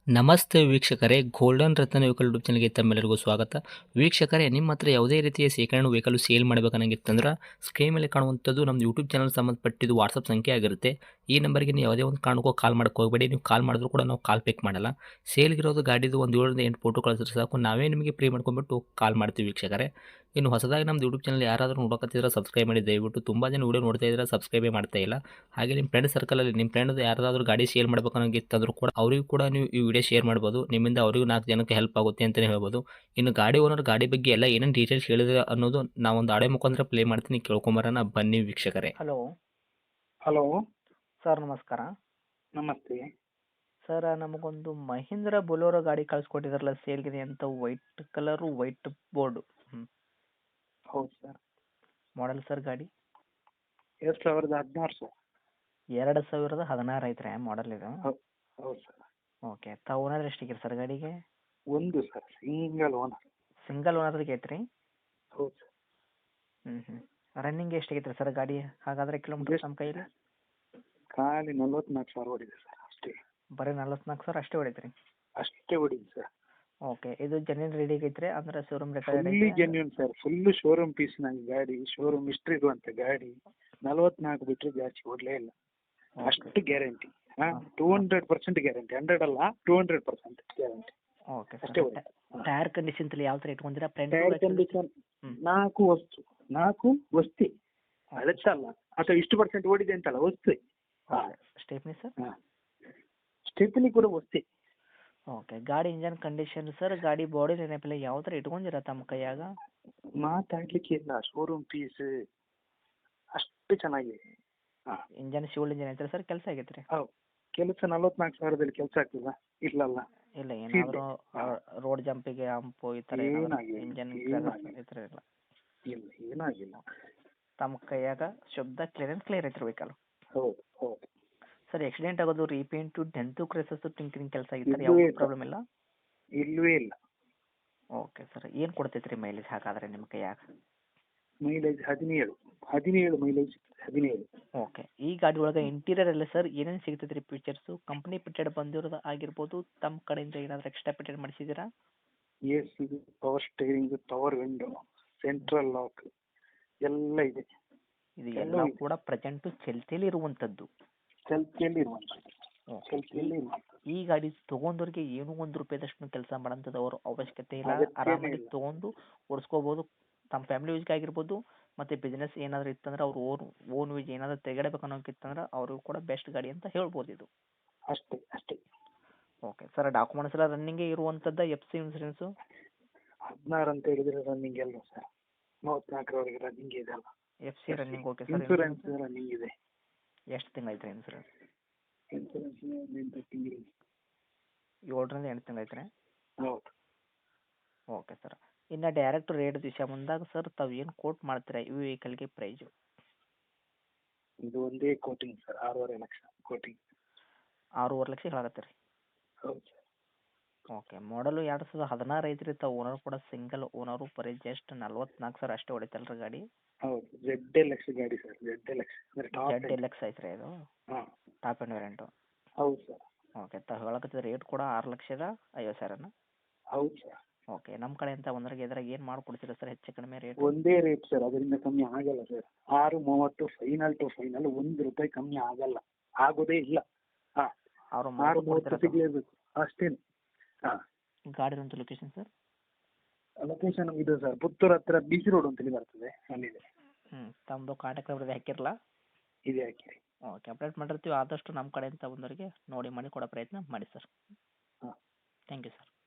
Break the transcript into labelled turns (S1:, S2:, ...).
S1: ನಮಸ್ತೆ ವೀಕ್ಷಕರೇ, ಗೋಲ್ಡನ್ ರತ್ನ vehicle YouTube ಚಾನಲ್ಗೆ ತಮ್ಮೆಲ್ಲರಿಗೂ ಸ್ವಾಗತ. ವೀಕ್ಷಕರೇ, ನಿಮ್ಮ ಹತ್ರ ಯಾವುದೇ ರೀತಿಯ ಶೇಖರಣೆ ವೆಹಿಕಲ್ ಸೇಲ್ ಮಾಡಬೇಕನ್ನಂಗಿತ್ತಂದ್ರೆ ಸ್ಕ್ರೀನ್ ಮೇಲೆ ಕಾಣುವಂಥದ್ದು ನಮ್ಮ ಯೂಟ್ಯೂಬ್ ಚಾನಲ್ ಸಂಬಂಧಪಟ್ಟಿದ್ದು ವಾಟ್ಸಪ್ ಸಂಖ್ಯೆ ಆಗಿರುತ್ತೆ. ಈ ನಂಬರ್ಗೆ ನೀವು ಯಾವುದೇ ಒಂದು ಕಾರಣಕ್ಕೂ ಕಾಲ್ ಮಾಡಕ್ಕೆ ಹೋಗಬೇಡಿ. ನೀವು ಕಾಲ್ ಮಾಡಿದ್ರು ಕೂಡ ನಾವು ಕಾಲ್ ಪಿಕ್ ಮಾಡಲ್ಲ. ಸೇಲ್ಗಿರೋದು ಗಾಡಿದು ಒಂದು 7ರಿಂದ 8 ಫೋಟೋ ಕಳಿಸಿದ್ರೆ ಸಾಕು, ನಾವೇ ನಿಮಗೆ ಪ್ರೀ ಮಾಡ್ಕೊಂಡ್ಬಿಟ್ಟು ಕಾಲ್ ಮಾಡ್ತೀವಿ ವೀಕ್ಷಕರೇ. ಇನ್ನು ಹೊಸದಾಗಿ ನಮ್ಮದು ಯೂಟ್ಯೂಬ್ ಚಾನಲ್ ಯಾರಾದರೂ ನೋಡೋಕತ್ತಿದ್ರೆ ಸಬ್ಸ್ಕ್ರೈಬ್ ಮಾಡಿ ದಯವಿಟ್ಟು. ತುಂಬ ಜನ ವೀಡಿಯೋ ನೋಡ್ತಾ ಇದ್ದಾರೆ, ಸಬ್ಸ್ಕ್ರೈಬೇ ಮಾಡ್ತಾ ಇಲ್ಲ. ಹಾಗೆ ನಿಮ್ಮ ಫ್ರೆಂಡ್ ಸರ್ಕಲಲ್ಲಿ ನಿಮ್ಮ ಫ್ರೆಂಡ್ ಯಾರಾದರೂ ಗಾಡಿ ಸೇಲ್ ಮಾಡಬೇಕನ್ನೋಂಗಿತ್ತಂದ್ರೂ ಕೂಡ ಅವರಿಗೂ ಕೂಡ ನೀವು ಈ ವಿಡಿಯೋ ಶೇರ್ ಮಾಡ್ಬೋದು. ನಿಮ್ಮಿಂದ ಅವರಿಗೂ 4 ಜನಕ್ಕೆ ಹೆಲ್ಪ್ ಆಗುತ್ತೆ ಅಂತಲೇ ಹೇಳ್ಬೋದು. ಇನ್ನು ಗಾಡಿ ಓನರ್ ಗಾಡಿ ಬಗ್ಗೆ ಎಲ್ಲ ಏನೇನು ಡೀಟೇಲ್ಸ್ ಹೇಳಿದ್ರೆ ಅನ್ನೋದು ನಾವೊಂದು ಆಡಿಯೋ ಮುಖಾಂತರ ಪ್ಲೇ ಮಾಡ್ತೀನಿ, ಕೇಳ್ಕೊಂಬರೋಣ ಬನ್ನಿ ವೀಕ್ಷಕರೇ.
S2: ಹಲೋ
S3: ಹಲೋ,
S2: ಸರ್, ನಮಸ್ಕಾರ.
S3: ನಮಸ್ತೆ.
S2: ಸರ್, ನಮಗೊಂದು ಮಹೀಂದ್ರ ಬೊಲೊರೋ ಗಾಡಿ ಕಳಿಸ್ಕೊಟ್ಟಿದ್ರಲ್ಲ ಸೇಲ್ಗಿದೆ ಅಂತ, ವೈಟ್ ಕಲರು, ವೈಟ್ ಬೋರ್ಡು.
S3: ಹೌದು ಸರ್.
S2: ಮಾಡಲ್ ಸರ್ ಗಾಡಿ
S3: 2016 ಸರ್.
S2: 2016 ಐತ್ರಿ ಮಾಡಲ್ ಇದು?
S3: ಹೌದು ಸರ್.
S2: ಓಕೆ. ತಾವು ಓನರ್ ಎಷ್ಟಿದ್ದೀರಿ ಸರ್ ಗಾಡಿಗೆ?
S3: ಒಂದು ಸರ್, ಸಿಂಗಲ್ ಓನರ್.
S2: ಸಿಂಗಲ್ ಓನರ್ಗೆ ಐತ್ರಿ?
S3: ಹೌದು ಸರ್.
S2: ರನ್ನಿಂಗ್ ಎಷ್ಟಾಗೈತ್ರಿ ಸರ್ ಗಾಡಿ ಹಾಗಾದ್ರೆ ಕಿಲೋಮೀಟರ್ ನಮ್ಮ ಕೈಯಲ್ಲಿ?
S3: ಖಾಲಿ 44,000 ಹೊಡಿದೆ ಸರ್, ಅಷ್ಟೇ.
S2: ಬರೀ 44,000 ಅಷ್ಟೇ ಹೊಡೈತ್ರಿ?
S3: ಅಷ್ಟೇ ಹೊಡಿದೆ ಸರ್.
S2: ಓಕೆ. ಇದು ಜೆನ್ಯೂನ್ ರೆಡಿ ಆಗೈತ್ರಿ ಅಂದ್ರೆ showroom
S3: fully genuine sir, full showroom ಪೀಸ್ನಾಗ ಗಾಡಿ, ಶೋರೂಮ್ ಹಿಸ್ಟ್ರಿ ಇರುವಂತ ಗಾಡಿ. 44 ಬಿಟ್ಟರೆ ಜಾಸ್ತಿ ಓಡಲೇ ಇಲ್ಲ, ಅಷ್ಟು ಗ್ಯಾರಂಟಿ. 200% ಗ್ಯಾರಂಟಿ, 100 ಅಲ್ಲ, 200% ಗ್ಯಾರಂಟಿ.
S2: ಓಕೆ
S3: ಅಷ್ಟೇ
S2: ಸರ್. ಟೈರ್ ಕಂಡೀಷನ್ ಯಾವ ಥರ ಇಟ್ಕೊಂಡಿರಾ? ಫ್ರಂಟ್
S3: ಟೈರ್ ಕಂಡೀಷನ್ 4 ವಸ್ತಿ ಅಳತ್ತಲ್ಲ, ಅಥವಾ ಇಷ್ಟು ಪರ್ಸೆಂಟ್ ಓಡಿದೆ ಅಂತಲ್ಲ, ವಸ್ತಿ.
S2: Stepney sir?
S3: ಸ್ಟೆಪ್ನಿ ಕೂಡ ವಸ್ತಿ.
S2: ಓಕೆ. ಗಾಡಿ ಇಂಜನ್ ಕಂಡೀಷನ್ ಸರ್, ಗಾಡಿ ಬಾಡಿ ನೆನಪಿಲ್ಲ ಯಾವ ಥರ ಇಟ್ಕೊಂಡಿರ ತಮ್ಮ ಕೈಯಾಗ?
S3: ಮಾತಾಡ್ಲಿಕ್ಕೆ ಇಲ್ಲ, ಶೋರೂಮ್ ಪೀಸ್ ಅಷ್ಟು ಚೆನ್ನಾಗಿದೆ.
S2: ಇಂಜನ್ ಶಿವಲ್ ಇಂಜನ್ ಐತ್ರಿ ಸರ್? ಕೆಲಸ ಆಗೈತ್ರಿ?
S3: ಹೌದು, ಕೆಲಸ 44,000 ಕೆಲಸ ಆಗ್ತದ? ಇಲ್ಲಲ್ಲ.
S2: ಇಲ್ಲ, ಏನಾದರೂ ರೋಡ್ ಜಂಪಿಗೆ ಹಂಪು ಈ ಥರ
S3: ಏನಾಗಿಲ್ಲ,
S2: ಇಂಜನ್ ಈ ಥರ ಇಲ್ಲ?
S3: ಇಲ್ಲ, ಏನಾಗಿಲ್ಲ.
S2: ತಮ್ಮ ಕೈಯಾಗ ಶಬ್ದ ಕ್ಲಿಯರ್ ಐತ್ರಿ ವೆಹಿಕಲ್?
S3: ಹೌದು ಹೌದು
S2: ಸರ್. ಆಕ್ಸಿಡೆಂಟ್ ಆಗೋದು, ರೀಪೇಂಟು, ಡೆಂತು, ಕ್ರೆಸಸ್ಸು, ಟಿಂಕರಿಂಗ್ ಕೆಲಸ ಆಗಿರ್ತಾರೆ, ಯಾವ ಪ್ರಾಬ್ಲಮ್ ಇಲ್ಲ?
S3: ಇಲ್ಲವೇ ಇಲ್ಲ.
S2: Okay sir. ಏನು ಕೊಡ್ತೈತ್ರಿ ಮೈಲೇಜ್ ಹಾಗಾದ್ರೆ ನಿಮ್ಮ ಕೈಯಾಗ?
S3: Mileage 17 mileage 17.
S2: ಓಕೆ. ಈ ಗಾಡಿ ಒಳಗೆ ಇಂಟೀರಿಯರ್ ಎಲ್ಲ ಸರ್ ಏನೇನು ಸಿಗ್ತೈತ್ರಿ ಫೀಚರ್ಸು? ಕಂಪ್ನಿ ಪಿಟೆಡ್ ಬಂದಿರೋದು ಆಗಿರ್ಬೋದು, ತಮ್ಮ ಕಡೆಯಿಂದ ಏನಾದರೂ ಎಕ್ಸ್ಟ್ರಾ ಪಿಟೆಡ್ ಮಾಡಿಸಿದ್ದೀರಾ?
S3: AC, power steering, power window, central lock ಎಲ್ಲ ಇದೆ.
S2: ಇದು ಎಲ್ಲ ಕೂಡ ಪ್ರೆಸೆಂಟು ಚಲ್ತಿಯಲ್ಲಿ ಇರುವಂಥದ್ದು?
S3: ಚಲ್ತಿಯಲ್ಲಿ ಇರುವಂಥದ್ದು.
S2: ಈ ಗಾಡಿ ತೊಗೊಂಡವ್ರಿಗೆ ಏನೂ ₹1 ಕೆಲಸ ಮಾಡೋಂಥದ್ದು ಅವ್ರ ಅವಶ್ಯಕತೆ ಇಲ್ಲ.
S3: ಅಗತ್ಯನೇ
S2: ಆರಾಮಾಗಿ
S3: ಇಲ್ಲ.
S2: ತೊಗೊಂಡು ಓಡಿಸ್ಕೋಬೋದು. ತಮ್ಮ ಫ್ಯಾಮಿಲಿ ಯೂಸ್ಗೆ ಆಗಿರ್ಬೋದು, ಮತ್ತು ಬಿಸ್ನೆಸ್ ಏನಾದರೂ ಇತ್ತಂದ್ರೆ ಅವ್ರು ಓನ್ ಯೂಸ್ ಏನಾದರೂ ತೆಗೆಡಬೇಕು ಅನ್ನೋಕ್ಕಿತ್ತಂದ್ರೆ ಅವ್ರಿಗೂ ಕೂಡ ಬೆಸ್ಟ್ ಗಾಡಿ ಅಂತ ಹೇಳ್ಬೋದು ಇದು.
S3: ಅಷ್ಟೇ ಅಷ್ಟೇ.
S2: Okay sir. ಡಾಕ್ಯುಮೆಂಟ್ಸ್ ಎಲ್ಲ ರನ್ನಿಂಗೇ ಇರುವಂಥದ್ದು? FC ಇನ್ಸೂರೆನ್ಸು
S3: 16 ಅಂತ ಹೇಳಿದ್ರೆ ರನ್ನಿಂಗ್ ಅಲ್ಲ ಸರ್, 34ರವರೆಗೆ ರನ್ನಿಂಗ್ ಇದೆ ಅಲ್ಲ.
S2: FC running. Okay sir.
S3: Insurance running ಇದೆ.
S2: ಎಷ್ಟು ತಿಂಗಳೈತ್ರಿ ಇನ್ಸೂರೆನ್ಸ್?
S3: ಇನ್ಸೂರೆನ್ಸ್ 8 ತಿಂಗಳು.
S2: 7ರಿಂದ 8 ತಿಂಗಳೈತ್ರಿ?
S3: ಹೌದು.
S2: Okay sir. ಇನ್ನು ಡೈರೆಕ್ಟ್ ರೇಟ್ ವಿಷಯ ಬಂದಾಗ ಸರ್, ತಾವು ಏನು ಕೋಟ್ ಮಾಡ್ತೀರಾ ಈ ವೆಹಿಕಲ್ಗೆ ಪ್ರೈಸು?
S3: ಇದು ಒಂದೇ quoting sir, 6.5 lakh quoting.
S2: 6.5 lakh ಹೇಳಕತ್ತೀರಿ?
S3: ಹೌದು ಸರ್.
S2: ಓಕೆ. ಮಾಡಲು 2016 ಐತ್ರಿ. ತಾವು ಓನರ್ ಕೂಡ ಸಿಂಗಲ್ ಓನರು, ಬರೀ ಜಸ್ಟ್ 44,000 ಅಷ್ಟೇ ಹೊಡಿತಲ್ರಿ ಗಾಡಿ?
S3: ಹೌದು, ZLX ಗಾಡಿ ಸರ್, ZLX ಅಂದ್ರೆ ಟಾಪ್ ಎಂಡ್.
S2: ZLX ಐತ್ರಿ ಇದು?
S3: ಹಾಂ,
S2: ಟಾಪ್ ಎಂಡ್ ವೇರಿಯಂಟು?
S3: ಹೌದು ಸರ್.
S2: ಓಕೆ. ತಾವು ಹೇಳಕತ್ತಿದ ರೇಟ್ ಕೂಡ 6,50,000?
S3: ಹೌದು ಸರ್.
S2: ಓಕೆ. ನಮ್ಮ ಕಡೆಯಿಂದ ಒಂದ್ರಾಗ ಇದ್ರಾಗ ಏನು ಮಾಡ್ಕೊಡ್ತೀರಾ ಸರ್ ಹೆಚ್ಚು ಕಡಿಮೆ ರೇಟ್?
S3: ಒಂದೇ ರೇಟ್ ಸರ್, ಅದರಿಂದ ಕಮ್ಮಿ ಆಗಲ್ಲ ಸರ್. 6.30 ಫೈನಲ್ ಟು ಫೈನಲ್, ₹1 ಕಮ್ಮಿ ಆಗಲ್ಲ, ಆಗೋದೇ ಇಲ್ಲ. ಹಾಂ,
S2: ಅವರು
S3: 6.30 ಸಿಗಲೇಬೇಕು ಅಷ್ಟೇನು. ಹಾಂ.
S2: ಗಾಡಿ ಇರುವಂಥ ಲೊಕೇಶನ್ ಸರ್?
S3: ಲೊಕೇಶನ್ ಇದು ಸರ್, ಪುತ್ತೂರು ಹತ್ರ BC ರೋಡ್ ಅಂತೇಳಿ ಬರ್ತದೆ, ಅಲ್ಲಿದೆ.
S2: ತಮ್ಮದು ಕಾಂಟ್ಯಾಕ್ಟ್ ನಂಬರ್ ಹಾಕಿರಲ್ಲ?
S3: ಇದೆ, ಹಾಕಿರಿ.
S2: ಓಕೆ. ಅಪ್ಡೇಟ್ ಮಾಡಿರ್ತೀವಿ. ಆದಷ್ಟು ನಮ್ಮ ಕಡೆಯಿಂದ ಬಂದವರಿಗೆ ನೋಡಿ ಮಾಡಿ ಕೊಡೋ ಪ್ರಯತ್ನ ಮಾಡಿ ಸರ್.
S3: ಹಾಂ.
S2: Thank you sir.